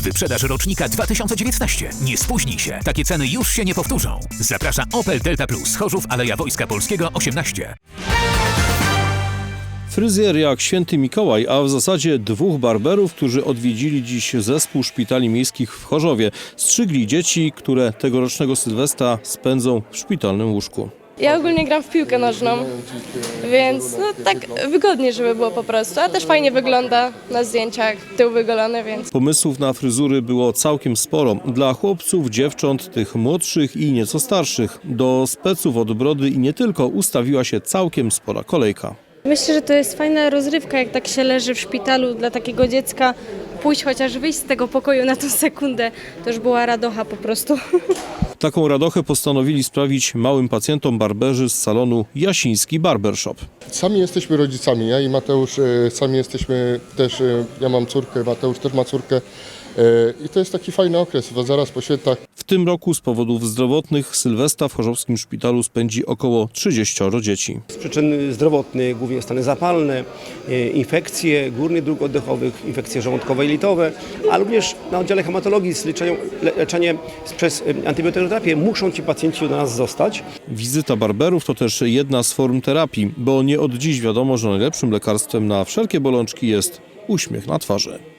Wyprzedaż rocznika 2019. Nie spóźnij się. Takie ceny już się nie powtórzą. Zaprasza Opel Delta Plus. Chorzów, Aleja Wojska Polskiego 18. Fryzjer jak święty Mikołaj, a w zasadzie dwóch barberów, którzy odwiedzili dziś zespół szpitali miejskich w Chorzowie. Strzygli dzieci, które tegorocznego Sylwestra spędzą w szpitalnym łóżku. Ja ogólnie gram w piłkę nożną, więc tak wygodnie, żeby było po prostu, a też fajnie wygląda na zdjęciach, tył wygolony, więc... Pomysłów na fryzury było całkiem sporo. Dla chłopców, dziewcząt, tych młodszych i nieco starszych. Do speców od brody i nie tylko ustawiła się całkiem spora kolejka. Myślę, że to jest fajna rozrywka, jak tak się leży w szpitalu dla takiego dziecka. Pójść chociaż wyjść z tego pokoju na tą sekundę, to już była radocha po prostu. Taką radochę postanowili sprawić małym pacjentom barberzy z salonu Jasiński Barbershop. Sami jesteśmy rodzicami, ja i Mateusz sami jesteśmy też, ja mam córkę, Mateusz też ma córkę i to jest taki fajny okres, bo zaraz po świętach. W tym roku z powodów zdrowotnych Sylwestra w chorzowskim szpitalu spędzi około 30 dzieci. Z przyczyn zdrowotnych, głównie stany zapalne, infekcje górnych dróg oddechowych, infekcje żołądkowe i litowe, a również na oddziale hematologii z leczenie przez antybioterapię muszą ci pacjenci do nas zostać. Wizyta barberów to też jedna z form terapii, bo nie od dziś wiadomo, że najlepszym lekarstwem na wszelkie bolączki jest uśmiech na twarzy.